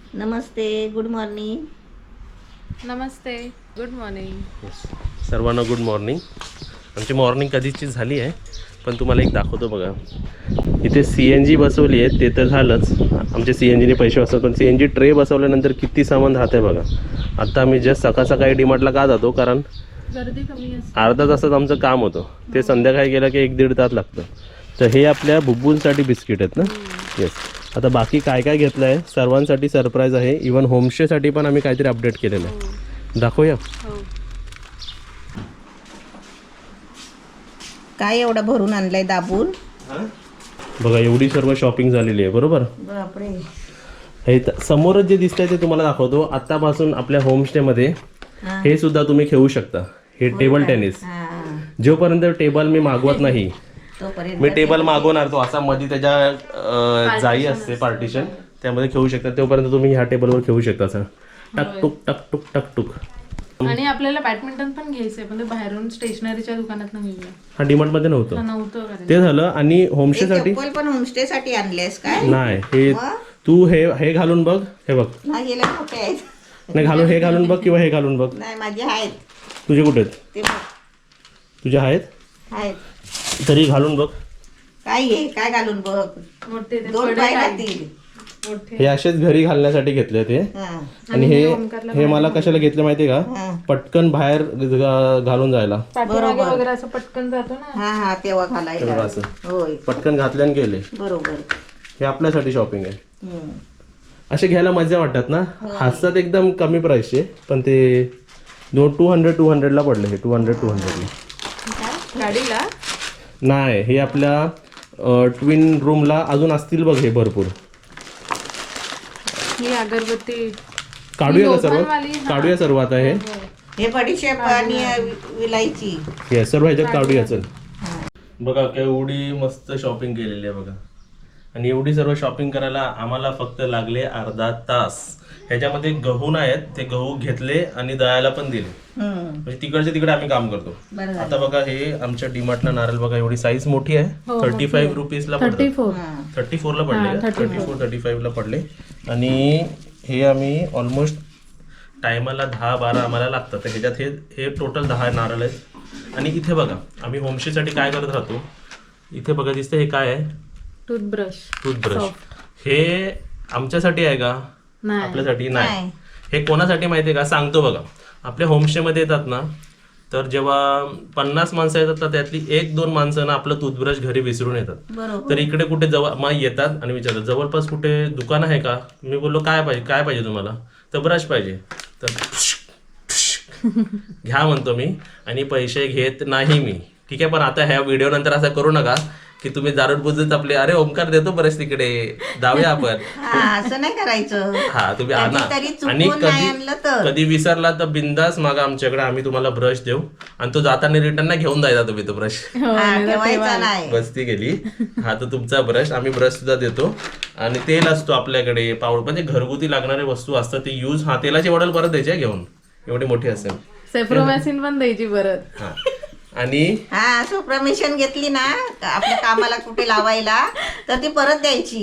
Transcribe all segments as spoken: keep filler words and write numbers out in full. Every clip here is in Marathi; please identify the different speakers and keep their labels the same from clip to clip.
Speaker 1: नमस्ते, गुड मॉर्निंग.
Speaker 2: नमस्ते, गुड मॉर्निंग.
Speaker 3: सर्वांना गुड मॉर्निंग. आमची मॉर्निंग कधीची झाली आहे, पण तुम्हाला एक दाखवतो बघा. इथे सी एन जी बसवली आहे, ते तर झालंच, आमचे सी एन जीने पैसे वाचतात, पण सी एन जी ट्रे बसवल्यानंतर किती सामान राहतं आहे बघा. आत्ता आम्ही जस्ट सकाळ सकाळी डीमार्टला का जातो, कारण
Speaker 2: गर्दी कमी असते.
Speaker 3: अर्धा तासात आमचं काम होतं, ते संध्याकाळी गेलं की एक दीड तास लागतं. तर हे आपल्या बुब्बूंसाठी बिस्किट आहेत ना. येस. आता बाकी काय काय घेतलं आहे सर्वांसाठी सरप्राईज आहे. इवन होमस्टेसाठी पण आम्ही काहीतरी अपडेट केलेलं आहे, दाखवूया.
Speaker 1: काय एवढं भरून आणलंय दाबून.
Speaker 3: बघा एवढी सर्व शॉपिंग झालेली आहे, बरोबर.
Speaker 1: बापरे.
Speaker 3: हे समोरच जे दिसतंय ते तुम्हाला दाखवतो. आतापासून आपल्या होमस्टेमध्ये हे सुद्धा तुम्ही खेळू शकता. हे टेबल टेनिस. जोपर्यंत टेबल मी मागवत नाही मी टेबल मागवणार, तो असा मध्ये त्याच्या जाई असते पार्टिशन, त्यामध्ये खेळू शकता. तोपर्यंत तुम्ही ह्या टेबलवर खेळू शकता. असं टक टुक टक टुक टक टुक.
Speaker 2: आणि आपल्याला बॅडमिंटन पण घ्यायचंय, पण ते बाहेरून स्टेशनरीच्या दुकानात घेऊया.
Speaker 3: हा डीमार्ट मध्ये नव्हतं
Speaker 2: नव्हतं
Speaker 3: ते झालं. आणि होमस्टे साठी
Speaker 1: पण होमस्टे साठी आणलेस काय?
Speaker 3: नाही, हे तू हे हे घालून बघ. हे बघ,
Speaker 1: माझे लय मोठे आहेत.
Speaker 3: नाही घालून हे घालून बघ किंवा हे घालून बघ.
Speaker 1: नाही माझे आहेत.
Speaker 3: तुझे कुठे आहेत?
Speaker 1: ते बघ.
Speaker 3: तुझे आहेत
Speaker 1: आहेत.
Speaker 3: तरी घालून बघ.
Speaker 1: काय आहे, काय घालून बघ.
Speaker 2: मोठे ते
Speaker 1: दोन
Speaker 2: पडे
Speaker 1: पाय
Speaker 2: काय?
Speaker 1: घातील.
Speaker 2: मोठे.
Speaker 3: हे असेच घरी घालण्यासाठी घेतले ते.
Speaker 1: हा.
Speaker 3: आणि हे हे मला कशाला घेतलं माहितीये का,
Speaker 1: हा.
Speaker 3: पटकन बाहेर घ- घालून जायला.
Speaker 2: पाठीमागे वगैरे असं पटकन जातो ना.
Speaker 1: हा हा तेव्हा घालायला.
Speaker 3: तेव्हा असं.
Speaker 1: होय
Speaker 3: पटकन घातल्याने गेले.
Speaker 1: बरोबर.
Speaker 3: हे आपल्यासाठी शॉपिंग आहे.
Speaker 1: हम्म.
Speaker 3: असे घ्यायला मजा वाटतात ना. हसतात एकदम कमी प्राइसचे, पण ते दोन टू हंड्रेड टू हंड्रेडला पडले. हे टू हंड्रेड टू हंड्रेडला
Speaker 2: गाडीला
Speaker 3: नाही, हे आपल्या ट्विन रूमला अजून असतील बघ हे भरपूर.
Speaker 2: ही अगरबत्ती
Speaker 3: काढूया का सर्व?
Speaker 2: लोखंडवाली, हा.
Speaker 3: काढूया सर्व आता. हे
Speaker 1: हे बडीशेप आणि विलायची.
Speaker 3: हे सर्व ह्याच्यात काढूया. चल बघा केवढी मस्त शॉपिंग केलेली आहे बघा. आणि एवढी सर्व शॉपिंग करायला आम्हाला फक्त लागले अर्धा तास. ह्याच्यामध्ये गहू आहेत, ते गहू घेतले आणि दळायला पण दिले. म्हणजे तिकडचे तिकडे आम्ही काम करतो. आता बघा हे आमच्या डीमार्टला नारळ बघा, एवढी साईज मोठी आहे. थर्टी फाईव्ह रुपीजला
Speaker 2: थर्टी फोर
Speaker 3: थर्टी फोरला पडले. थर्टी फोर थर्टी फाईव्हला पडले. आणि हे आम्ही ऑलमोस्ट टायमाला दहा बारा आम्हाला लागतात. तर ह्याच्यात हे हे टोटल दहा नारळ आहेत. आणि इथे बघा आम्ही होमस्टेसाठी काय करत राहतो. इथे बघा दिसतं हे काय आहे,
Speaker 2: टूथब्रश.
Speaker 3: टूथब्रश. हे आमच्यासाठी आहे का?
Speaker 2: नाही.
Speaker 3: आपल्यासाठी नाही. हे कोणासाठी माहितीये का, सांगतो बघा. आपल्या होमस्टेमध्ये येतात ना, तर जेव्हा पन्नास माणसं येतात तर त्यातली एक दोन माणसं ना आपलं टूथब्रश घरी विसरून येतात. तर इकडे कुठे जवळ मग येतात आणि विचारतात जवळपास कुठे दुकान आहे का. मी बोललो काय पाहिजे काय पाहिजे तुम्हाला, तर ब्रश पाहिजे. तर घ्या म्हणतो मी, आणि पैसे घेत नाही मी. ठीक आहे, पण आता ह्या व्हिडिओ नंतर असं करू नका की तुम्ही दारू बुजत आपले अरे ओमकार देतो बरंच तिकडे जाऊया आपण.
Speaker 1: असं नाही करायचं.
Speaker 3: हा तुम्ही आणा. आणि कधी कधी विसरला तर बिंदास मागा आमच्याकडे, आम्ही तुम्हाला ब्रश देऊ. आणि तो जाताना रिटर्न ना घेऊन जायचा तुम्ही तो ब्रश. बस्ती गेली. हा तो तुमचा ब्रश, आम्ही ब्रश सुद्धा देतो. आणि तेल असतो आपल्याकडे, पावडर म्हणजे घरगुती लागणारे वस्तू असतात ते यूज. हा तेलाची बॉटल परत द्यायची घेऊन, एवढी मोठी असेल.
Speaker 2: सेफ्रोमॅसिन पण द्यायची परत.
Speaker 3: हा आणि
Speaker 1: हा सो परमिशन घेतली ना आपल्या कामाला कुठे लावायला, तर ती परत द्यायची.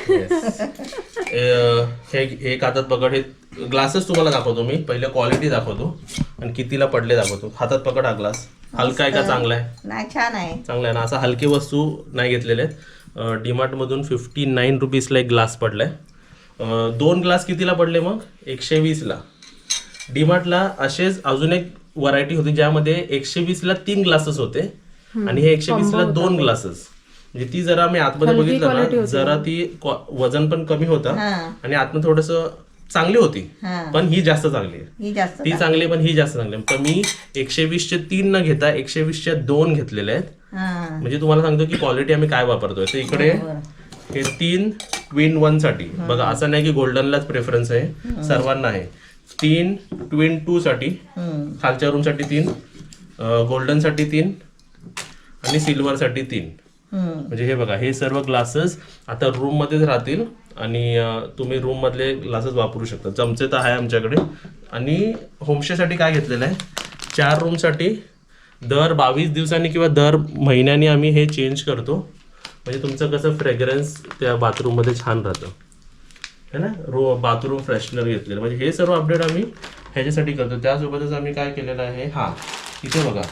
Speaker 3: हे एक हातात पकड. हे ग्लासेस तुम्हाला दाखवतो मी. पहिले क्वालिटी दाखवतो आणि कितीला पडले दाखवतो. हातात पकड हा ग्लास. हलका आहे का चांगला आहे?
Speaker 1: नाही छान आहे. चांगला
Speaker 3: आहे ना. असा हलकी वस्तू नाही घेतलेले आहेत. डीमार्ट मधून फिफ्टी नाईन रुपीजला एक ग्लास पडलाय. दोन ग्लास कितीला पडले मग? एकशे वीसला. डीमार्टला असेच अजून एक व्हरायटी होती ज्यामध्ये एकशे वीस ला तीन ग्लासेस होते आणि हे एकशे वीस ला दोन ग्लासेस. म्हणजे ती जरा मी आतमध्ये बघितलं ना, जरा ती वजन पण कमी होता आणि आतमध्ये थोडस चांगली होती, पण ही जास्त चांगली आहे. ती चांगली पण ही जास्त चांगली. तर मी एकशे वीस चे तीन न घेता एकशे वीस चे दोन घेतलेले आहेत. म्हणजे तुम्हाला सांगतो की क्वालिटी आम्ही काय वापरतोय. तर इकडे हे तीन ट्विन वन साठी बघा, असं नाही की गोल्डनलाच प्रेफरन्स आहे, सर्वांना आहे. तीन ट्विन टू साठी, खालच्या रूम साठी तीन, गोल्डन साठी तीन आणि सिल्वर साठी तीन. म्हणजे हे बघा हे सर्व ग्लासेस आता रूम मध्येच राहतील आणि तुम्ही रूम मधले ग्लासेस वापरू शकता. चमचे तर आहे आमच्याकडे. आणि होमस्टे साठी काय घेतलेलं आहे, चार रूम साठी दर बावीस दिवसांनी किंवा दर महिन्यानी आम्ही हे चेंज करतो. म्हणजे तुमचं कसं फ्रेग्रन्स त्या बाथरूम मध्ये छान राहतं. है ना रो बाथरूम फ्रेशनर घेतलेलं. म्हणजे हे सर्व अपडेट आम्ही ह्याच्यासाठी करतो. त्यासोबतच आम्ही काय केलेलं आहे, हां इथे बघा,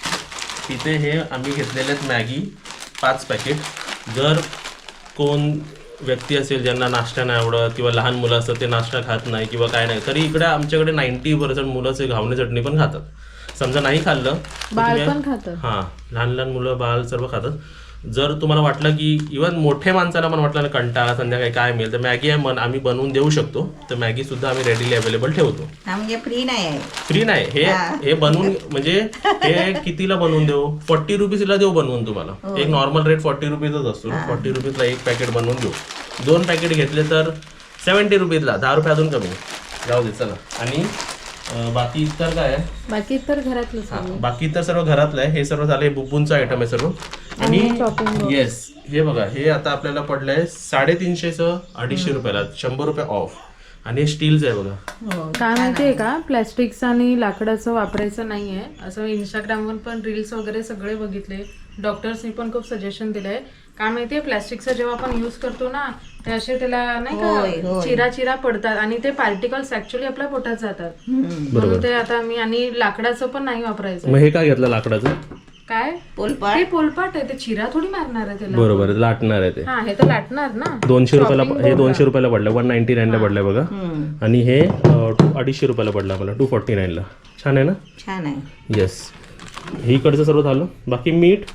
Speaker 3: इथे हे आम्ही घेतलेले आहेत मॅगी पाच पॅकेट. जर कोण व्यक्ती असेल ज्यांना नाश्ता नाही आवडत किंवा लहान मुलं असतात ते नाश्ता खात नाही किंवा काय नाही, तरी इकडे आमच्याकडे नाईन्टी पर्सेंट मुलं ते घावणे चटणी पण खातात. समजा नाही खाल्लं
Speaker 2: बाळ पण खातं.
Speaker 3: हां लहान लहान मुलं बाळ सर्व खातात. जर तुम्हाला वाटलं की इवन मोठ्या माणसाला पण वाटलं ना कंटाळा संध्याकाळी काय मिळेल, तर मॅगी आहे मन आम्ही बनवून देऊ शकतो. तर मॅगी सुद्धा आम्ही रेडीली अवेलेबल ठेवतो.
Speaker 1: हा म्हणजे फ्री नाही आहे.
Speaker 3: फ्री नाही, हे हे बनवून म्हणजे हे कितीला बनवून देऊ, फोर्टी रुपीजला देऊ बनवून तुम्हाला. एक नॉर्मल रेट फोर्टी रुपीजच असतो. फोर्टी रुपीजला एक पॅकेट बनवून देऊ. दोन पॅकेट घेतले तर सेवन्टी रुपीजला, दहा रुपये अजून कमी. जाऊ दे चला. आणि अं, बाकी इतर काय आहे,
Speaker 2: बाकी तर घरातलं
Speaker 3: हा, बाकी तर सर्व घरातलं आहे. हे सर्व झालं बुब्बूंचं आयटम आहे सर्व. आणि येस हे बघा, हे आता आपल्याला पडलंय साडेतीनशेचं अडीचशे रुपयाला, शंभर रुपये ऑफ. आणि हे स्टीलचं आहे बघा.
Speaker 2: काय माहितीये का, प्लॅस्टिकचं आणि लाकडाचं वापरायचं नाहीये असं. इंस्टाग्रामवर पण रील्स वगैरे सगळे बघितले, डॉक्टर्सनी पण खूप सजेशन दिलंय. काय माहितीये, प्लॅस्टिकचा जेव्हा आपण युज करतो ना, ते असे त्याला नाही का चिरा चिरा पडतात आणि ते पार्टिकल्स ऍक्च्युअली आपल्या पोटात जातात. म्हणून ते आता मी, आणि लाकडाचं पण नाही वापरायचं.
Speaker 3: मग हे काय घेतलं लाकडाचं,
Speaker 2: काय
Speaker 1: पोलपाट
Speaker 2: ते पोलपाट आहे, ते चिरा थोडी मारणार आहे त्याला.
Speaker 3: बरोबर लाटणार आहे ते.
Speaker 2: हा हे तर लाटणार ना.
Speaker 3: दोनशे रुपयाला हे दोनशे रुपयाला पडलं, वन नाईन्टी नाईनला पडलंय बघा. आणि हे अं, अडीचशे रुपयाला पडलं आम्हाला, टू फोर्टी नाईनला. छान आहे ना.
Speaker 1: छान आहे.
Speaker 3: येस ही इकडचं सर्व झालं. बाकी मीठ.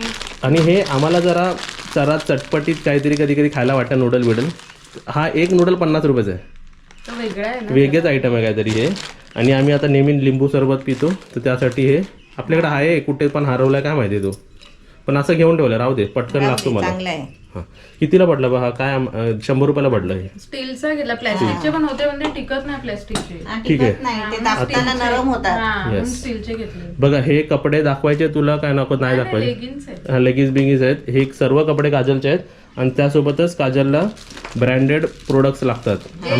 Speaker 3: आणि हे आम्हाला जरा जरा चटपटीत काहीतरी कधी कधी खायला वाटतं, नूडल बिडल. हा एक नूडल पन्नास रुपयाचा आहे,
Speaker 2: तो वेगळा आहे ना.
Speaker 3: वेगळेच आयटम आहे काहीतरी हे. आणि आम्ही आता नेहमी लिंबू सरबत पितो, तर त्यासाठी हे आपल्याकडे आहे. कुठे पण हरवलाय काय माहिती तो, पण असं घेऊन ठेवलं, राहू दे पटकन लागतो मला.
Speaker 1: चांगलं आहे.
Speaker 3: हां कितीला पडला बा हा, काय अं, शंभर रुपयाला पडलं हे.
Speaker 2: स्टीलचा घेतला, प्लॅस्टिकचे पण होते म्हणजे टिकत नाही प्लॅस्टिकचे.
Speaker 1: हा,
Speaker 3: ठीक आहे.
Speaker 1: टिकत नाही, ते दाबताना नरम होतात.
Speaker 2: हा म्हणून स्टीलचे घेतले.
Speaker 3: बघा हे कपडे दाखवायचे तुला काय नको नाही दाखवायचे.
Speaker 2: लेगिन्स आहे.
Speaker 3: हा लेगिन्स बिगिन्स आहेत. हे सर्व कपडे काजलचे आहेत. आणि त्यासोबतच काजलला ब्रँडेड प्रोडक्ट्स लागतात.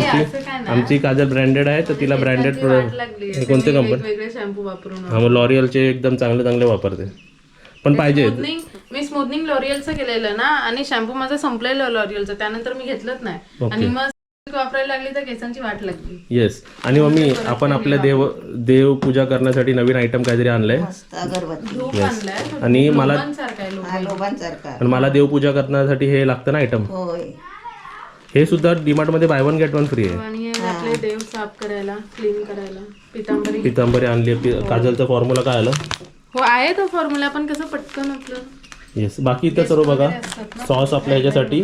Speaker 3: आमची आमची काजल ब्रँडेड आहे, तर तिला ब्रँडेड प्रोडक्ट. हे कोणते कंपनी,
Speaker 2: वेगवेगळे शॅम्पू वापरून.
Speaker 3: हा मग लॉरियलचे एकदम चांगले चांगले वापरते. पण पाहिजे
Speaker 2: स्मूथनिंग, मी स्मूथनिंग लॉरियलचं केलेलं ना, आणि शॅम्पू माझा संपलेलं लॉरियलचं, त्यानंतर मी घेतलंच नाही. आणि मग वापरायला लागली तर केसांची वाट लागली.
Speaker 3: येस. आणि मम्मी आपण आपल्या देव देव पूजा करण्यासाठी नवीन आयटम काहीतरी आणलंय.
Speaker 1: मस्त अगरबत्ती.
Speaker 2: धूप आणलाय
Speaker 3: आणि मला
Speaker 2: लोबांसारखा आहे, लोबां.
Speaker 1: हा, लोबांसारखा.
Speaker 3: आणि मला देवपूजा करण्यासाठी हे लागतं ना आयटम.
Speaker 1: होय.
Speaker 3: हे सुद्धा डीमार्ट मध्ये buy one get one free आहे.
Speaker 2: आणि हे आपले देव साफ करायला, क्लीन करायला पितांबरी.
Speaker 3: पितांबरी आणली. काजलचा फॉर्म्युला काय आला,
Speaker 2: हो आहे तो फॉर्म्युला, पण कसं पटकन आपलं.
Speaker 3: येस. बाकी इथं सर्व बघा सॉस आपल्या ह्याच्यासाठी.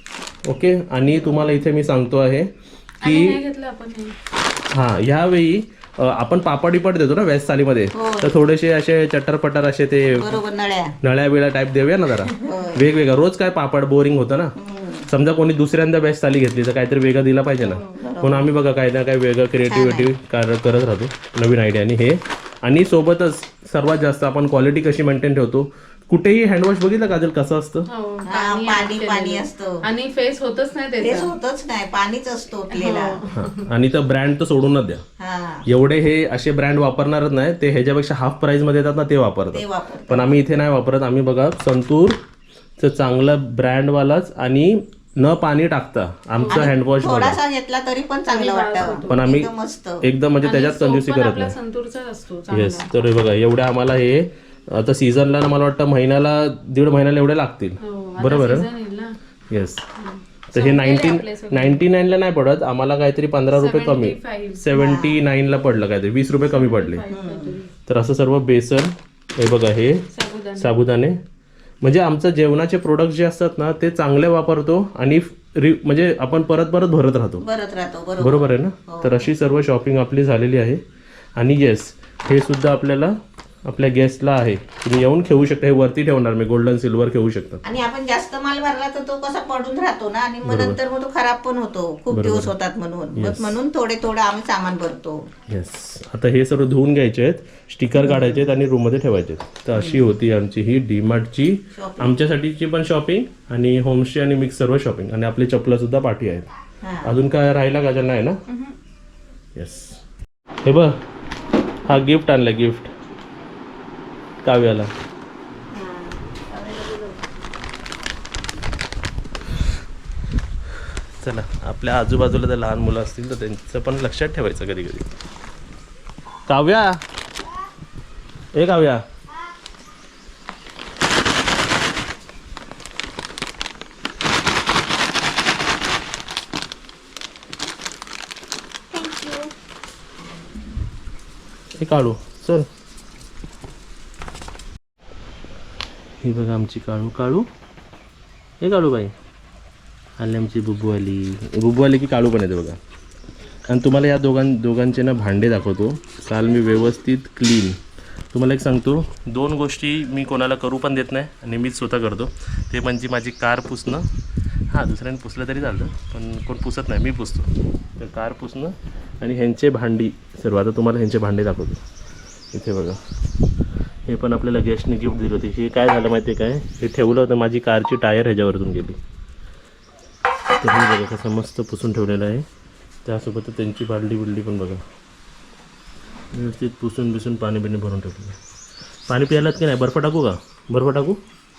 Speaker 3: ओके. आणि तुम्हाला इथे मी सांगतो आहे की
Speaker 2: हे घेतलं आपण हे.
Speaker 3: हां ह्यावेळी अ, आपण पापड बिपड देतो ना व्याज थालीमध्ये, तर थोडेसे असे चट्टरपटर असे ते
Speaker 1: बरोबर, नळ्या.
Speaker 3: नळ्या बिळ्या टाईप देऊया ना जरा. वेगवेगळं रोज काय पापड बोरिंग होतं ना. समजा कोणी दुसऱ्यांदा व्याज थाली घेतली तर काहीतरी वेगळं दिला पाहिजे ना. म्हणून आम्ही बघा काही ना काही वेगळं क्रिएटिव्हिटी करत राहतो, नवीन आयडियाने हे. आणि सोबतच सर्वात जास्त आपण क्वालिटी कशी मेंटेन ठेवतो. कुठेही हँडवॉश बघितलं काजल कसं असतं,
Speaker 2: हो,
Speaker 1: हा, पाणी पाणी असतं.
Speaker 2: आणि फेस होतच नाही
Speaker 1: तेच
Speaker 2: त्याचं.
Speaker 1: होतच नाही, पाणीच असतो ओतलेला.
Speaker 3: हां. आणि तर ब्रँड तर सोडूनच द्या.
Speaker 1: हा,
Speaker 3: एवढे हे असे ब्रँड वापरणारच नाही, ते ह्याच्यापेक्षा हाफ प्राइस मध्ये येतात ना ते
Speaker 1: ते
Speaker 3: वापरतात.
Speaker 1: वापर.
Speaker 3: पण आम्ही इथे नाही वापरत. आम्ही बघा संतूरचं चांगलं ब्रँडवालाच आणि न पाणी टाकता आमचं हँडवॉश बघा.
Speaker 1: थोडासा घेतला तरी पण चांगलं वाटतं.
Speaker 3: पण आम्ही
Speaker 1: एकदम मस्त.
Speaker 3: एकदम म्हणजे त्याच्यात कंजूसी करत
Speaker 2: आपला
Speaker 3: नाही.
Speaker 2: संतूरचाच असतो.
Speaker 3: येस. तर हे बघा एवढ्या आम्हाला हे आता सीझनला ना मला वाटतं महिन्याला दीड महिन्याला एवढे लागतील. बरोबर आहे. येस. तर हे नाईन्टीन नाईन्टी नाईनला नाही पडत आम्हाला, काहीतरी पंधरा रुपये कमी, सेवन्टी नाईनला पडलं काहीतरी, वीस रुपये कमी पडले. तर असं सर्व बेसन, हे बघा हे साबुदाणे. म्हणजे आमचं जेवणाचे प्रोडक्ट जे असतात ना ते चांगले वापरतो आणि रि म्हणजे आपण परत परत भरत राहतो.
Speaker 1: भरत राहतो. बरोबर.
Speaker 3: बरोबर आहे ना. तर अशी सर्व शॉपिंग आपली झालेली आहे. आणि येस हे सुद्धा आपल्याला आपल्या गेस्टला आहे, तुम्ही येऊन खेळू शकता. हे वरती ठेवणार मी, गोल्डन सिल्वर खेळू शकता.
Speaker 1: आणि आपण जास्त माल भरला तर तो कसा पडून राहतो ना, आणि मग नंतर मग तो खराब पण होतो, खूप दिवस होतात म्हणून. मग म्हणून थोडे थोडं आम्ही सामान भरतो.
Speaker 3: येस. आता हे सर्व धुवून घ्यायचे आहेत, स्टिकर काढायचे आहेत आणि रूम मध्ये ठेवायचे आहेत. तर अशी होती आमची ही डीमार्टची आमच्यासाठीची पण शॉपिंग आणि होमस्टे आणि मिक्स सर्व शॉपिंग. आणि आपली चपला सुद्धा पाठी आहेत. अजून काय राहिला का ज्यांना आहे ना. येस. हे बघ हा गिफ्ट आणला, गिफ्ट काव्याला. चला आपल्या आजूबाजूला जर लहान मुलं असतील तर त्यांचं पण लक्षात ठेवायचं कधी कधी. काव्या ए काव्या हे काढू चल. ही बघा आमची काळू. काळू हे काळू बाई आली आमची बुब्बू आली. बुब्बू आली की काळू पण येते बघा. आणि तुम्हाला या दोघां दोघांचे ना भांडे दाखवतो. काल मी व्यवस्थित क्लीन, तुम्हाला एक सांगतो, दोन गोष्टी मी कोणाला करू पण देत नाही आणि मीच स्वतः करतो. ते म्हणजे माझी कार पुसणं. हां दुसऱ्याने पुसलं तरी चालतं पण कोण पुसत नाही, मी पुसतो. तर कार पुसणं आणि ह्यांचे भांडी सर्व. आता तुम्हाला ह्यांचे भांडे दाखवतो. इथे बघा हे पण आपल्याला गेस्टने गिफ्ट दिलं होते. हे काय झालं माहिती आहे काय, हे ठेवलं होतं माझी कारची टायर ह्याच्यावरतून गेली. तर हे बघा कसं मस्त पुसून ठेवलेलं आहे. त्यासोबत त्यांची बालडी बिल्डी पण बघा व्यवस्थित पुसून बिसून पाणी बिणी भरून ठेवलेलं. पाणी प्यायलात की नाही? बर्फ टाकू का? बर्फ टाकू.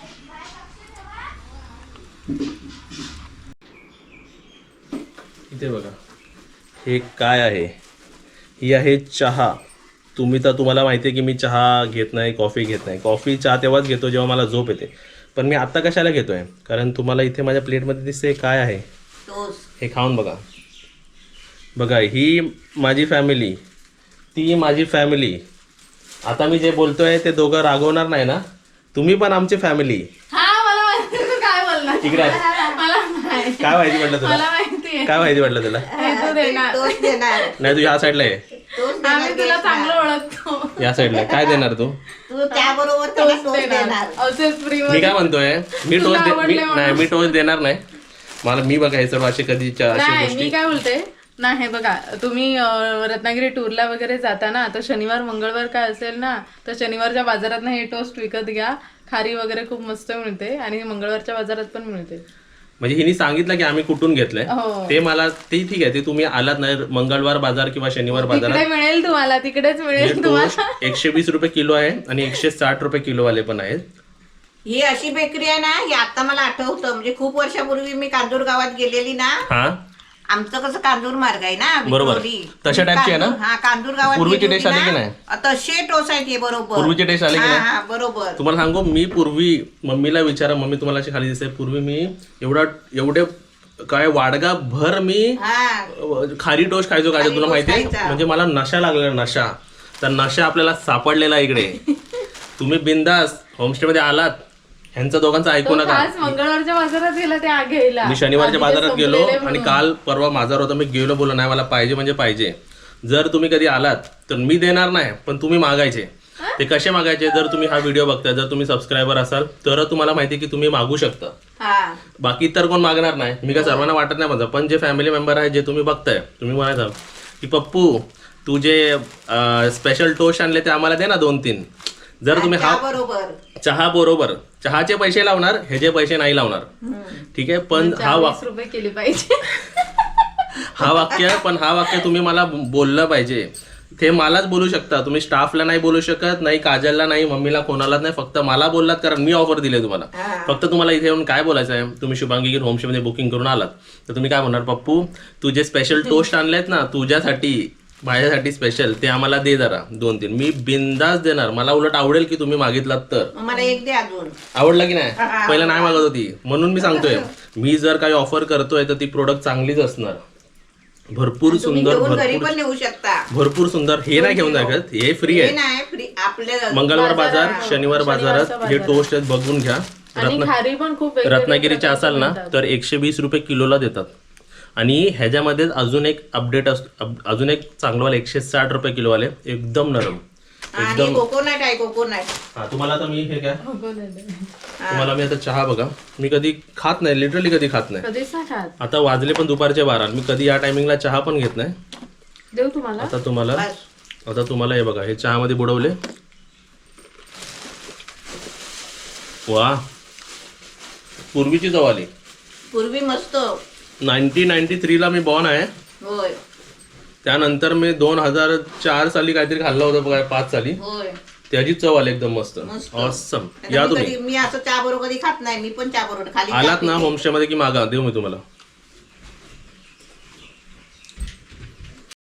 Speaker 3: इथे बघा हे काय आहे, ही आहे चहा. तुम्ही तर तुम्हाला माहिती आहे की मी चहा घेत नाही, कॉफी घेत नाही. कॉफी चहा तेव्हाच घेतो जेव्हा मला झोप येते. पण मी आत्ता कशाला घेतो आहे, कारण तुम्हाला इथे माझ्या प्लेटमध्ये दिसते काय आहे. हे खाऊन बघा. बघा ही माझी फॅमिली, ती माझी फॅमिली. आता मी जे बोलतोय ते दोघं रागवणार नाही ना? तुम्ही पण आमची फॅमिली.
Speaker 2: काय बोलणार
Speaker 3: इकडे काय माहिती म्हटलं तुला? काय माहिती म्हटलं तुला? नाही तू या साईडला आहे,
Speaker 2: आम्ही तुला चांगलं ओळखतो.
Speaker 3: या साईडला. काय देणार तू?
Speaker 1: तू त्याबरोबर त्याला टोस्ट देणार.
Speaker 3: मी काय म्हणतोय, मी टोस्ट नाही, मी टोस्ट देणार नाही. मला मी बघा हे सर्व असे कधी
Speaker 2: नाही. मी काय बोलते ना, हे बघा तुम्ही रत्नागिरी टूरला वगैरे जाता ना, तर शनिवार मंगळवार काय असेल ना, तर शनिवारच्या बाजारात ना हे टोस्ट विकत घ्या. खारी वगैरे खूप मस्त मिळते आणि मंगळवारच्या बाजारात पण मिळते.
Speaker 3: म्हणजे हिने सांगितलं की आम्ही कुठून घेतलंय ते मला ते ठीक आहे. ते तुम्ही आलात नाही मंगळवार बाजार किंवा शनिवार बाजारात
Speaker 2: मिळेल तुम्हाला, तिकडेच मिळेल तुम्हाला.
Speaker 3: एकशे वीस रुपये किलो आहे आणि एकशे साठ रुपये किलो वाले पण आहेत.
Speaker 1: ही अशी बेकरी आहे ना, ही आता मला आठवतं. म्हणजे खूप वर्षापूर्वी मी कांदूर गावात गेलेली ना.
Speaker 3: हा
Speaker 1: आमचं कसं कांदूर मार्ग आहे ना,
Speaker 3: बरोबर.
Speaker 1: विक्रोळी.
Speaker 3: तशा टाईपची आहे ना?
Speaker 1: हा कांदूर गावात
Speaker 3: पूर्वीची
Speaker 1: गेली
Speaker 3: टेस्ट
Speaker 1: होती
Speaker 3: आली की
Speaker 1: ना,
Speaker 3: नाही?
Speaker 1: तसे टोस आहेत हे. बरोबर
Speaker 3: पूर्वीची टेस्ट आली की
Speaker 1: हा,
Speaker 3: नाही?
Speaker 1: हा, बरोबर.
Speaker 3: तुम्हाला सांगू, मी पूर्वी मम्मीला विचारा, मम्मी तुम्हाला अशी खाली दिसते, पूर्वी मी एवढा एवढे काय वाडगा भर मी
Speaker 1: हा
Speaker 3: खारी टोस्ट खायचो. काय तुला माहिती आहे? म्हणजे मला नशा लागलेला, नशा. तर नशा आपल्याला सापडलेला इकडे. तुम्ही बिंदास होमस्टेमध्ये आलात, ह्यांचं दोघांचं ऐकू नका.
Speaker 2: मंगळवारच्या बाजारात गेला ते घ्यायला.
Speaker 3: मी शनिवारच्या बाजारात गेलो आणि काल परवा बाजार होता, मी गेलो, बोललो नाही मला पाहिजे म्हणजे पाहिजे. जर तुम्ही कधी आलात तर मी देणार नाही, पण तुम्ही मागायचे. ते कसे मागायचे? जर तुम्ही हा व्हिडिओ बघताय, जर तुम्ही सबस्क्रायबर असाल तर तुम्हाला माहिती की तुम्ही मागू शकता. बाकी तर कोण मागणार नाही. मी काय सर्वांना वाटत नाही माझं, पण जे फॅमिली मेंबर आहे, जे तुम्ही बघताय, तुम्ही म्हणायचं की पप्पू तू जे स्पेशल टोस्ट आणले ते आम्हाला दे ना दोन तीन. जर तुम्ही हा
Speaker 1: बरोबर
Speaker 3: चहा बरोबर चहाचे पैसे लावणार, ह्याचे पैसे नाही लावणार, ठीक आहे. पण हा वाक्य
Speaker 2: रुपये केले पाहिजे.
Speaker 3: हा वाक्य पण हा वाक्य तुम्ही मला बोललं पाहिजे. ते मलाच बोलू शकता तुम्ही, स्टाफला नाही बोलू शकत, नाही काजलला, नाही मम्मीला, कोणालाच नाही. फक्त मला बोललात कारण मी ऑफर दिले तुम्हाला. फक्त तुम्हाला इथे येऊन काय बोलायचं आहे, तुम्ही शुभांगी होमस्टेमध्ये बुकिंग करून आलात तर तुम्ही काय म्हणणार, पप्पू तू जे स्पेशल टोस्ट आणलेत ना तुझ्यासाठी, माझ्यासाठी स्पेशल, ते आम्हाला दे जरा दोन तीन. मी बिंदास देणार. मला उलट आवडेल की तुम्ही मागितलात तर.
Speaker 1: मला एक दे अजून.
Speaker 3: आवडला की नाही? पहिला नाही मागत होती म्हणून मी सांगतोय, मी जर काही ऑफर करतोय तर ती प्रोडक्ट चांगलीच असणार. भरपूर सुंदर,
Speaker 1: भरपूर नेऊ शकता,
Speaker 3: भरपूर सुंदर. हे नाही घेऊन जायचं, हे फ्री आहे. मंगळवार बाजार, शनिवार बाजारात हे टोस्ट आहेत, बघून घ्या. रत्नागिरीचे असाल ना तर एकशे वीस रुपये किलोला देतात. आणि ह्याच्यामध्येच अजून एक अपडेट असतो, अजून एक चांगलं एकशे साठ रुपये किलो वाले, एकदम नरम, एकदम
Speaker 1: कोकोनट आहे. कोकोनट
Speaker 3: हा तुम्हाला आता मी हे काय तुम्हाला मी आता चहा बघा, मी कधी खात नाही, लिटरली कधी खात नाही. आता वाजले पण दुपारचे बारा, मी कधी या टायमिंगला चहा पण घेत नाही.
Speaker 2: देऊ तुम्हाला.
Speaker 3: आता तुम्हाला आता तुम्हाला हे बघा, हे चहामध्ये बुडवले. वा, पूर्वीची चव आली.
Speaker 1: पूर्वी मस्त.
Speaker 3: नाईन्टी नाईन्टी थ्रीला मी बॉर्न आहे.
Speaker 1: होय.
Speaker 3: त्यानंतर मी दोन हजार चार साली काहीतरी खाल्लं होतं बघा, पाच साली.
Speaker 1: होय.
Speaker 3: त्याची चव आली एकदम मस्त, ऑसम. या तुम्ही.
Speaker 1: मी असं चहा बरोबर कधी खात नाही, मी पण चहा बरोबर खाली
Speaker 3: आलात ना होमस्टे मध्ये की मागा, देऊ मी तुम्हाला.